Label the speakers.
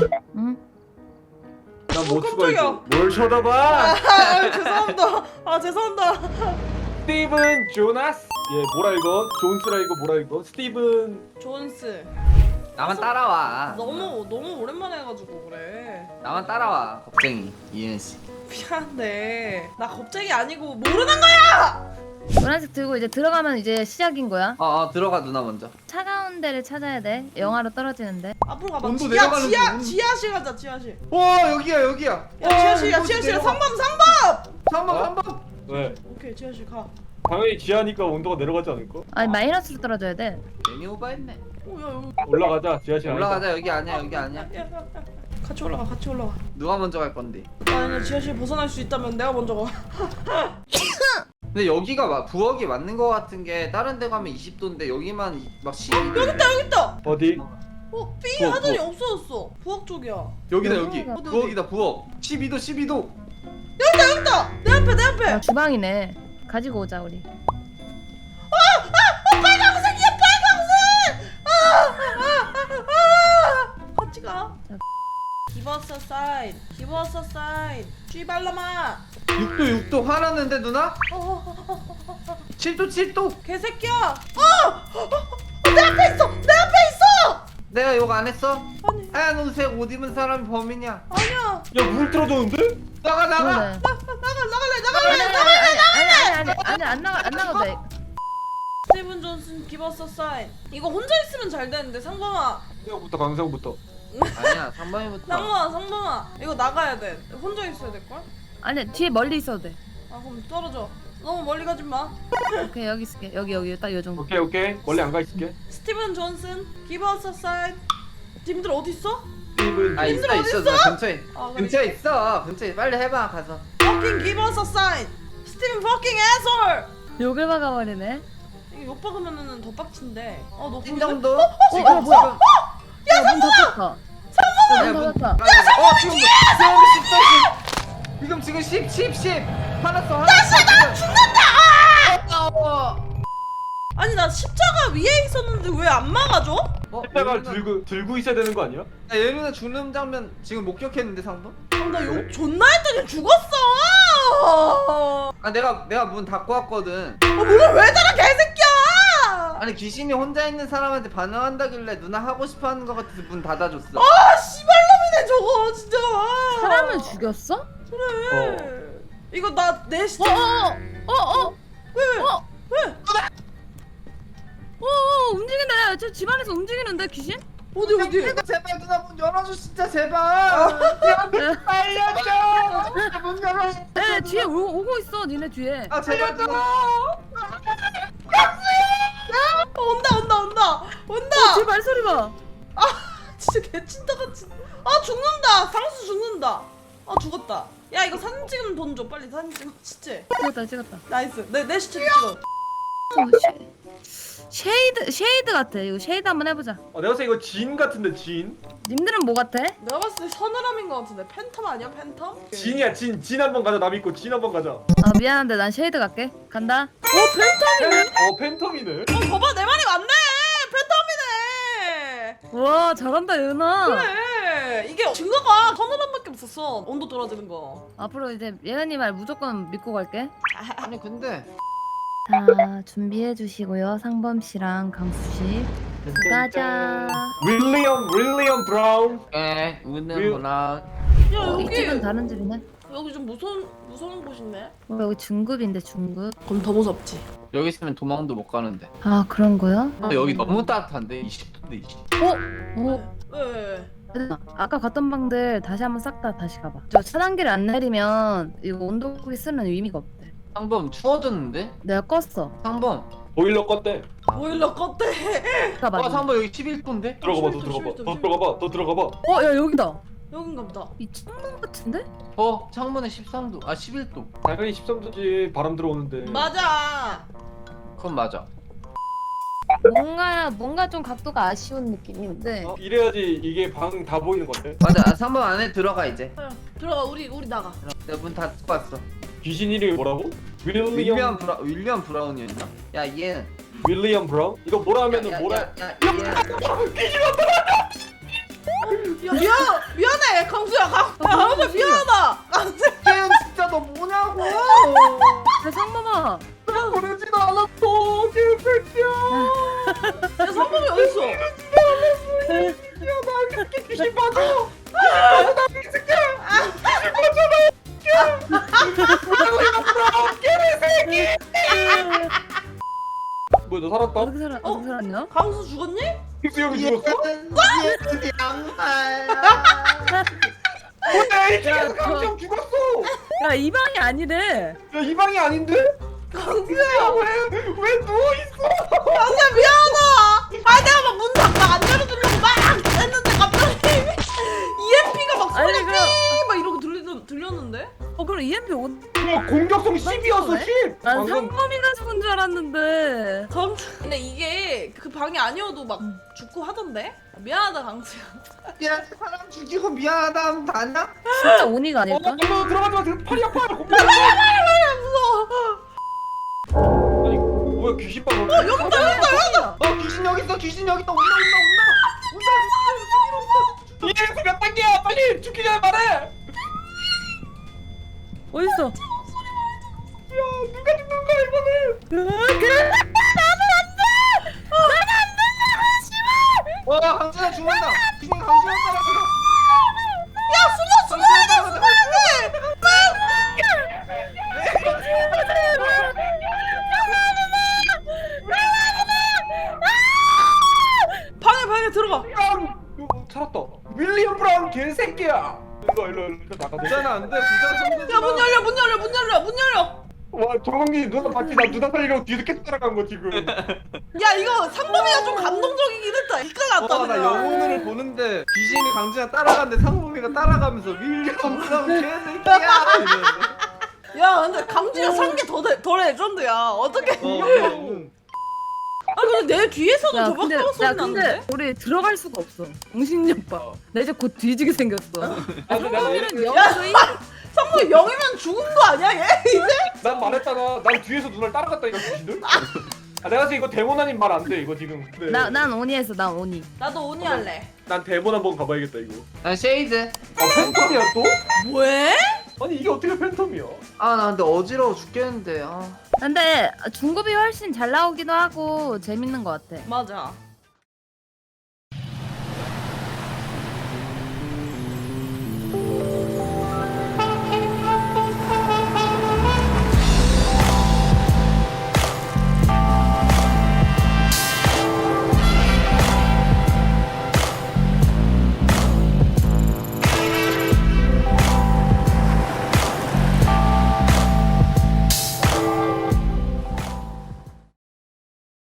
Speaker 1: 응?
Speaker 2: 난 못 죽어 이제.
Speaker 3: 깜짝이야.
Speaker 2: 뭘 쳐다봐?
Speaker 3: 아 죄송합니다. 아 죄송합니다.
Speaker 2: 스티븐 조나스. 얘 뭐라 읽어? 존스라 읽어 뭐라 읽어? 스티븐.
Speaker 3: 존스.
Speaker 4: 나만 따라와.
Speaker 3: 너무 오랜만에 해가지고 그래.
Speaker 4: 나만 따라와. 겁쟁이 이은 씨.
Speaker 3: 미안해. 나 겁쟁이 아니고 모르는 거야.
Speaker 1: 노란색 들고 이제 들어가면 이제 시작인 거야.
Speaker 4: 들어가 누나 먼저.
Speaker 1: 차가운 데를 찾아야 돼. 영하로 떨어지는데.
Speaker 3: 앞으로 가봐.
Speaker 4: 온도
Speaker 3: 지하
Speaker 4: 내려가는
Speaker 3: 지하
Speaker 4: 중.
Speaker 3: 지하실 가자 지하실.
Speaker 4: 와 여기야.
Speaker 3: 야 지하실이야 지하실. 3번
Speaker 4: 3번.
Speaker 2: 왜?
Speaker 3: 오케이 지하실 가.
Speaker 2: 당연히 지하니까 온도가 내려가지 않을까?
Speaker 1: 아니 마이너스로 떨어져야 돼.
Speaker 4: 괜히 오버했네.
Speaker 3: 오야 여기.
Speaker 2: 올라가자. 지하실
Speaker 4: 올라가자. 여기 아니야.
Speaker 3: 야. 같이 올라가 같이 올라가.
Speaker 4: 누가 먼저 갈 건데?
Speaker 3: 아니 지하실 벗어날 수 있다면 내가 먼저 가.
Speaker 4: 근데 여기가 부엌이 맞는 거 같은 게 다른 데 가면 20도인데 여기만 막 12도.
Speaker 3: 여기 있다.
Speaker 2: 어디?
Speaker 3: 삐
Speaker 4: 부엌,
Speaker 3: 하더니
Speaker 4: 부엌.
Speaker 3: 없어졌어. 부엌 쪽이야.
Speaker 4: 여기다
Speaker 1: 여기.
Speaker 4: 여기.
Speaker 3: 어디,
Speaker 4: 부엌이다 부엌. 12도.
Speaker 3: 여기 있다. 내 앞에.
Speaker 1: 아, 주방이네. 가지고 오자 우리.
Speaker 3: 빨강색이야 빨강색. 같이 가.
Speaker 1: 자.
Speaker 3: Give us a sign. 쥐발라마.
Speaker 4: 6도 화났는데 누나? 7도.
Speaker 3: 개새끼야. 내 앞에 있어.
Speaker 4: 내가 욕 안 했어?
Speaker 3: 아니
Speaker 4: 하얀 옷색 옷 입은 사람이 범인이야.
Speaker 3: 아니야.
Speaker 2: 야 물 틀어줬는데?
Speaker 4: 나가.
Speaker 1: 그러네.
Speaker 3: 나갈래.
Speaker 1: 아니 안 나가도 돼.
Speaker 3: 스티븐 존슨 Give us a sign. 이거 혼자 있으면 잘 되는데 상범아.
Speaker 2: 강상부터 강상부터.
Speaker 4: 아니야 3번이부터.
Speaker 3: 상범아. 이거 나가야 돼. 혼자 있어야 될 걸?
Speaker 1: 아니 뒤에 멀리 있어도 돼.
Speaker 3: 아 그럼 떨어져. 너무 멀리 가지 마.
Speaker 1: 오케이 여기 있을게. 여기 딱 요 정도.
Speaker 2: 오케이 멀리 안 가 있을게.
Speaker 3: 스티븐 존슨 Give us a sign. 님들 어디 있어?
Speaker 2: 스티븐.
Speaker 4: 있어
Speaker 3: 어딨어?
Speaker 4: 누나 근처에.
Speaker 3: 아, 그래.
Speaker 4: 근처에 있어. 근처에 빨리 해봐 가서.
Speaker 3: Fucking give us a sign. 스티븐 fucking asshole.
Speaker 1: 욕을 박아버리네.
Speaker 3: 이거 욕 박으면은 더 빡친데. 너
Speaker 4: 찐 정도?
Speaker 1: 야, 뭐야? 야문 닫혔다.
Speaker 4: 야,
Speaker 1: 문 닫았다.
Speaker 4: 지금 10 화났어 나
Speaker 3: 죽는다. 아니 나 십자가 위에 있었는데 왜 안 막아줘?
Speaker 2: 십자가를 들고 있어야 되는 거 아니야?
Speaker 4: 예린아 죽는 장면 지금 목격했는데 상도?
Speaker 3: 나 욕 존나 했더니 죽었어.
Speaker 4: 내가 문 닫고 왔거든.
Speaker 3: 문을 왜 닫아 개새끼야.
Speaker 4: 아니 귀신이 혼자 있는 사람한테 반응한다길래 누나 하고 싶어하는 거 같아서 문 닫아줬어.
Speaker 3: 씨발놈이네 저거 진짜.
Speaker 1: 사람을 죽였어?
Speaker 3: 그래. 이거 나 내 시체. 왜?
Speaker 1: 움직인다. 저 집안에서 움직이는데 귀신?
Speaker 3: 어디?
Speaker 4: 제발 누나 문 열어줘 진짜 제발. 알려줘. 문 열어.
Speaker 1: 네 뒤에 오고 있어. 니네 뒤에.
Speaker 4: 제발 누나.
Speaker 3: 온다.
Speaker 1: 뒤에 발소리 봐.
Speaker 3: 진짜 개친다같이. 죽는다. 상수 죽는다. 죽었다. 야 이거 사진 찍으면 돈 줘. 빨리 사진 찍어. 시체.
Speaker 1: 찍었다.
Speaker 3: 나이스. 내 시체 찍어.
Speaker 1: 쉐이드 같아. 이거 쉐이드 한번 해보자.
Speaker 2: 내가 봤을 때 이거 진 같은데 진?
Speaker 1: 님들은 뭐 같아?
Speaker 3: 내가 봤을 때 서늘함인 것 같은데. 팬텀 아니야 팬텀?
Speaker 2: 진이야 진 한번 가자. 나 믿고 진 한번 가자.
Speaker 1: 미안한데 난 쉐이드 갈게. 간다.
Speaker 2: 팬텀이네.
Speaker 3: 봐봐 내 말이 맞네. 팬텀이네.
Speaker 1: 와 잘한다 예은아.
Speaker 3: 그래. 이게 증거가 서늘함밖에 없었어. 온도 떨어지는 거.
Speaker 1: 앞으로 이제 예은이 말 무조건 믿고 갈게.
Speaker 4: 아니 근데
Speaker 1: 자 준비해 주시고요. 상범 씨랑 강수 씨. 가자.
Speaker 2: 윌리엄 브라운.
Speaker 4: 웃는구나.
Speaker 3: 야
Speaker 1: 이
Speaker 3: 여기
Speaker 1: 집은 다른 집이네.
Speaker 3: 여기 좀 무서운 곳이네.
Speaker 1: 여기 중급인데 중급.
Speaker 3: 그럼 더 무섭지.
Speaker 4: 여기 있으면 도망도 못 가는데.
Speaker 1: 아 그런 거야?
Speaker 4: 여기 너무 따뜻한데 20도인데 20도.
Speaker 3: 왜?
Speaker 1: 아까 갔던 방들 다시 한번 싹 다 다시 가봐. 저 차단기를 안 내리면 이거 온도계 쓰는 의미가 없대.
Speaker 4: 상범 추워졌는데?
Speaker 1: 내가 껐어.
Speaker 4: 상범.
Speaker 2: 보일러 껐대.
Speaker 3: 보일러 껐대.
Speaker 1: 가봐.
Speaker 4: 상범 여기 11도인데?
Speaker 2: 들어가봐. 더 들어가봐.
Speaker 1: 야 여기다.
Speaker 3: 여긴가 보다.
Speaker 1: 이 창문 같은데?
Speaker 4: 창문에 13도. 11도.
Speaker 2: 당연히 13도지. 바람 들어오는데.
Speaker 3: 맞아.
Speaker 4: 그건 맞아.
Speaker 1: 뭔가 좀 각도가 아쉬운 느낌인데.
Speaker 2: 이래야지 이게 방 다 보이는 건데.
Speaker 4: 맞아. 상범 안에 들어가 이제.
Speaker 3: 들어가 우리 나가.
Speaker 4: 내가 문 닫고 왔어.
Speaker 2: 귀신 이름이 뭐라고? 윌리엄
Speaker 4: 윌리엄 브라운이었나? 야 얘.
Speaker 2: 윌리엄 브라운? 이거 뭐라 하면은 뭐라?
Speaker 4: 야,
Speaker 3: 미안. 강수야 미안하다. 강수야.
Speaker 4: 깨연 진짜 너 뭐냐고.
Speaker 1: 야 상범아.
Speaker 2: 보내지도 않았어 개새끼야.
Speaker 3: 야 성범이 어딨어?
Speaker 2: 야나 이렇게 귀신 맞아. 나 미친게. 뭐야 너 살았다?
Speaker 1: 어떻게 살았냐?
Speaker 3: 강수 죽었니?
Speaker 2: 수 형이 죽었어?
Speaker 4: 얘는 양말.
Speaker 2: 뭐야 이
Speaker 1: 야,
Speaker 2: 새끼야 강정 죽었어.
Speaker 1: 야 이 방이 아니래.
Speaker 2: 야 이 방이 아닌데?
Speaker 3: 강수야.
Speaker 2: 왜 누워 있어?
Speaker 3: 강수야 미안하다. 아 내가 막 문 안 열어주려고 막 했는데 갑자기 EMP가 막
Speaker 1: 아니,
Speaker 3: 소리
Speaker 1: 그럼-
Speaker 3: 막 이러고 들렸는데?
Speaker 1: 그럼 EMP 온.
Speaker 2: 공격성 10이었어 10.
Speaker 1: 난 상범이가 죽은 줄 알았는데.
Speaker 3: 근데 이게 그 방이 아니어도 막 죽고 하던데? 미안하다 강수야.
Speaker 4: 야 사람 죽이고 미안하다 하면 다냐?
Speaker 1: 진짜 온이가 아닐까?
Speaker 2: 너 들어가지 마. 지금 팔이 아파.
Speaker 3: 무서워.
Speaker 2: 아니 뭐야 귀신 방.
Speaker 3: 여기다 여기다.
Speaker 4: 귀신 여기 있어. 귀신 여기 있다. 온다.
Speaker 2: 이래서 몇 단계야? 빨리 죽기 전에 말해.
Speaker 1: 어딨어?
Speaker 2: 야 누가 죽는 거야 이번에?
Speaker 4: 와 강진아 죽는다. 귀신 강진아 따라가.
Speaker 3: 야 숨어야 돼. 방에 들어가.
Speaker 2: 찾았다. 윌리엄 브라운 개새끼야. 일로 나가.
Speaker 4: 부자는 안 돼. 부자는
Speaker 3: 야 문 열려.
Speaker 2: 와 정원기 누나 봤지? 나 누나 살리려고 뒤에서 계속 따라간 거 지금.
Speaker 3: 야 이거 상범이가 좀 감동적이긴 했다. 이깔 났다.
Speaker 4: 나
Speaker 3: 그냥.
Speaker 4: 영혼을 보는데 귀신이 강진아 따라가는데 상범이가 따라가면서 윌리엄 브라운 개새끼야 이러는데.
Speaker 3: 야 근데 강진이가 산 게 더 레전드야. 어떻게? 아 근데 내 뒤에서도
Speaker 1: 야
Speaker 3: 저박박 소리
Speaker 1: 근데
Speaker 3: 나는데?
Speaker 1: 우리 들어갈 수가 없어. 웅신이 오빠. 나 이제 곧 뒤지게 생겼어. 상범이는 영수이.
Speaker 3: 상범이 영이면 죽은 거 아니야 얘 이제?
Speaker 2: 난 말했잖아. 난 뒤에서 누나를 따라갔다니까 귀신들. 아 내가 지금 이거 데몬 아닌 말 안 돼 이거 지금. 네.
Speaker 1: 난 온이 했어. 난 온이.
Speaker 3: 나도 오니 할래.
Speaker 2: 난 데몬 한번 가봐야겠다 이거.
Speaker 4: 난 쉐이드.
Speaker 2: 아 팬텀이야 또?
Speaker 3: 왜?
Speaker 2: 아니 이게 어떻게 팬텀이야?
Speaker 4: 아 나 근데 어지러워 죽겠는데.
Speaker 1: 근데 중급이 훨씬 잘 나오기도 하고 재밌는 것 같아.
Speaker 3: 맞아.